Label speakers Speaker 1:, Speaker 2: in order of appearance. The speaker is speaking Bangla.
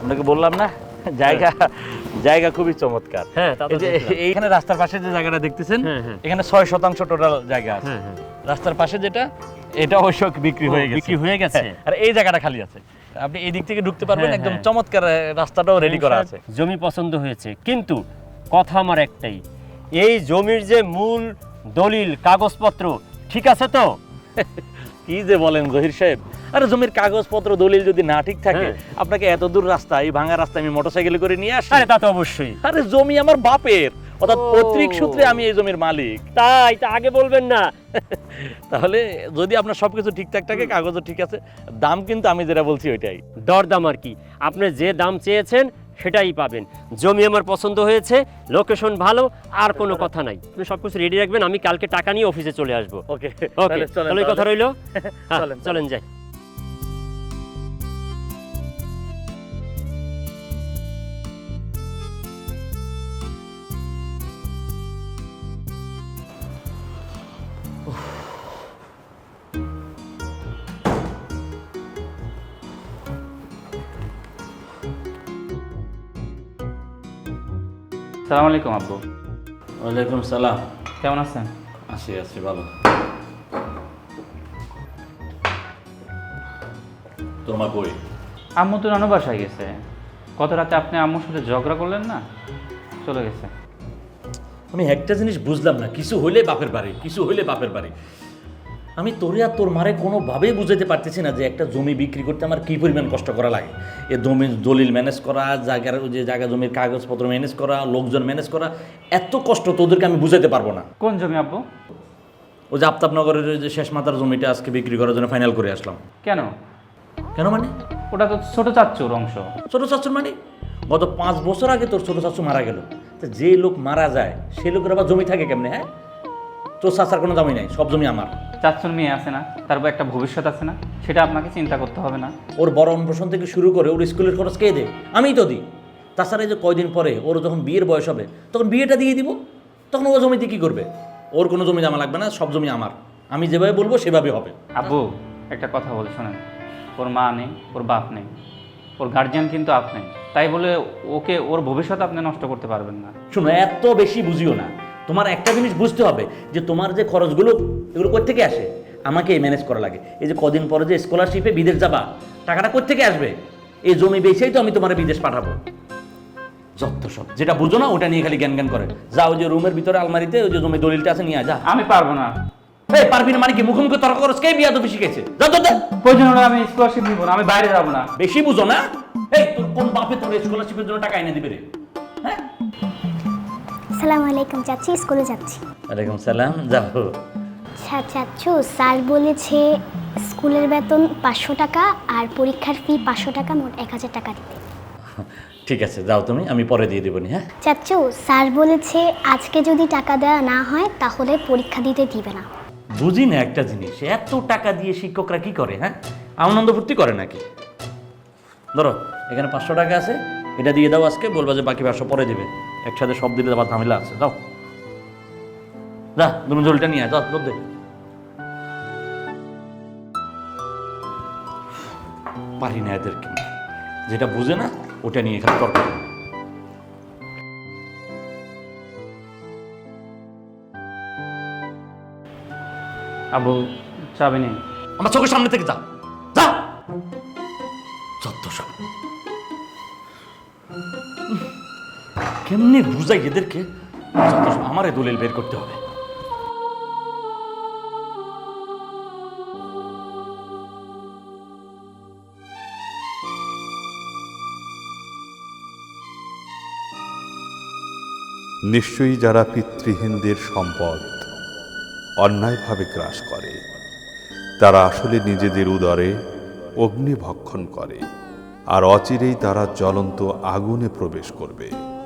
Speaker 1: আপনাকে বললাম না জায়গা জায়গা খুবই চমৎকার।
Speaker 2: হ্যাঁ,
Speaker 1: এইখানে রাস্তার পাশে যে জায়গাটা দেখতেছেন এখানে 6% টোটাল জায়গা আছে। রাস্তার পাশে যেটা এটা অবশ্য বিক্রি হয়ে গেছে আর এই জায়গাটা খালি আছে। আপনি এই দিক থেকে ঢুকতে পারবেন, একদম চমৎকার রাস্তাটাও রেডি করা আছে।
Speaker 2: জমি পছন্দ হয়েছে, কিন্তু কথা আমার একটাই, এই জমির যে মূল দলিল কাগজপত্র ঠিক আছে তো?
Speaker 1: কি যে বলেন জহির সাহেব, আরে জমির কাগজপত্র দলিল যদি না ঠিক থাকে আপনাকে এত দূর রাস্তা, এই ভাঙা রাস্তা আমি মোটরসাইকেলে করে নিয়ে আসি?
Speaker 2: আরে তা তো অবশ্যই।
Speaker 1: আরে জমি আমার বাপের, অর্থাৎ পৈতৃক সূত্রে আমি এই জমির মালিক।
Speaker 2: তাই তা আগে বলবেন না?
Speaker 1: তাহলে যদি আপনার সবকিছু ঠিকঠাক থাকে, কাগজও ঠিক আছে, দাম কিন্তু আমি যেটা বলছি ওইটাই।
Speaker 2: দরদাম আর কি, আপনি যে দাম চেয়েছেন সেটাই পাবেন। জমি আমার পছন্দ হয়েছে, লোকেশন ভালো, আর কোনো কথা নাই। আপনি সবকিছু রেডি রাখবেন, আমি কালকে টাকা নিয়ে অফিসে চলে আসবো।
Speaker 1: ওকে
Speaker 2: ওকে, তাহলে কথা রইলো। চলেন যাই।
Speaker 3: সালাম আলাইকুম আব্বু।
Speaker 1: ওয়ালাইকুম সালাম।
Speaker 3: কেমন আছেন?
Speaker 1: আছি ভালো। তোমার বই?
Speaker 3: আম্মু তো নানু বাসায় গেছে। গত রাতে আপনি আম্মুর সাথে ঝগড়া করলেন না, চলে গেছে।
Speaker 1: আমি একটা জিনিস বুঝলাম না, কিছু হইলে বাপের বাড়ি, কিছু হইলে বাপের বাড়ি। আমি তোরে আর তোর মারে কোনোভাবেই বুঝাতে পারতেছি না যে একটা জমি বিক্রি করতে আমার কী পরিমাণ কষ্ট করা লাগে। এ জমির দলিল ম্যানেজ করা, জায়গার যে জায়গা জমির কাগজপত্র ম্যানেজ করা, লোকজন ম্যানেজ করা, এত কষ্ট তোদেরকে আমি বুঝাতে পারবো না।
Speaker 3: কোন জমি আব্বু?
Speaker 1: ও যে আফতাবনগরের যে শেষ মাথার জমিটা আজকে বিক্রি করার জন্য ফাইনাল করে আসলাম।
Speaker 3: কেন?
Speaker 1: কেন মানে?
Speaker 3: ওটা তো ছোট চাচ্চুর অংশ।
Speaker 1: ছোটো চাচুর মানে? গত 5 বছর আগে তোর ছোটো চাচু মারা গেল। তো যে লোক মারা যায় সে লোকের আবার জমি থাকে কেমনে? হ্যাঁ, তোর চাচার কোনো জমি নাই, সব জমি আমার।
Speaker 3: চাচ্চুর মেয়ে আছে না, তারপর একটা ভবিষ্যৎ আছে না, সেটা আপনাকে চিন্তা করতে হবে না?
Speaker 1: ওর বড় অন্নপ্রাশন থেকে শুরু করে ওর স্কুলের খরচ কে দেয়? আমিই তো দিই। তাছাড়া এই যে কয়দিন পরে ওর যখন বিয়ের বয়স হবে তখন বিয়েটা দিয়ে দিব, তখন ও জমিতে কী করবে? ওর কোনো জমি জমা লাগবে না, সব জমি আমার। আমি যেভাবে বলবো সেভাবে হবে।
Speaker 3: আব্বু একটা কথা বলে শোনেন, ওর মা নেই, ওর বাপ নেই, ওর গার্জিয়ান কিন্তু আপনি। তাই বলে ওকে, ওর ভবিষ্যৎ আপনি নষ্ট করতে পারবেন না।
Speaker 1: শোনো, এত বেশি বুঝিও না। তোমার একটা জিনিস বুঝতে হবে যে তোমার যে খরচগুলো এগুলো কোত্থেকে আসে, আমাকে ম্যানেজ করা লাগে। এই যে কদিন পরে যে স্কলারশিপে বিদেশ যাবা, টাকাটা কোত্থেকে আসবে? এই জমি বেচেই তো আমি তোমার বিদেশ পাঠাবো। যত সব যেটা বুঝো না ওটা নিয়ে খালি জ্ঞান জ্ঞান করে যাও। যে রুমের ভিতরে আলমারিতে ওই যে জমি দলিলটা আছে নিয়ে যা।
Speaker 3: আমি পারবো না।
Speaker 1: এই পারবি না মানে কি? মুখোমুখি তর্ক করছ? কে বিয়া তো বেশি গেছে?
Speaker 3: প্রয়োজন হলে আমি স্কলারশিপ নিব না, আমি বাইরে যাবো না।
Speaker 1: বেশি বুঝো না? এই তোর কোন বাপে তোর স্কলারশিপের জন্য টাকা এনে দিবে রে? হ্যাঁ।
Speaker 4: আসসালামু আলাইকুম চাচি, স্কুলে যাচ্ছি।
Speaker 1: ওয়ালাইকুম সালাম, যাও।
Speaker 4: আচ্ছা চাচু, স্যার বলেছে স্কুলের বেতন 500 টাকা আর পরীক্ষার ফি 500 টাকা, মোট 1000 টাকা দিতে।
Speaker 1: ঠিক আছে, যাও তুমি, আমি পরে দিয়ে দেবো নি। হ্যাঁ
Speaker 4: চাচু, স্যার বলেছে আজকে যদি টাকা দেওয়া না হয় তাহলে পরীক্ষা দিতে দিবে না।
Speaker 1: বুঝি না একটা জিনিস, এত টাকা দিয়ে শিক্ষকরা কি করে? হ্যাঁ, আনন্দ ফুর্তি করে নাকি? ধরো এখানে 500 টাকা আছে, এটা দিয়ে দাও আজকে, বলবা যে বাকি 500 পরে দিবে। একসাথে সব দিলে আবার ঝামেলা আছে। যাও যা, তুমি জলটা নিয়ে আয়, যাও দুধ দে। পারি না এদেরকে, যেটা বুঝে না ওটা নিয়ে এখানে তর্ক করে।
Speaker 3: আব্বু চাবি নেই।
Speaker 1: আমার চোখের সামনে থেকে যা, যা। যত সব কেমনি বুঝাই এদেরকে? আমারে দলিল বের করতে হবে।
Speaker 5: নিশ্চয়ই যারা পিতৃহীনদের সম্পদ অন্যায়ভাবে গ্রাস করে তারা আসলে নিজেদের উদরে অগ্নি ভক্ষণ করে, আর অচিরেই তারা জ্বলন্ত আগুনে প্রবেশ করবে।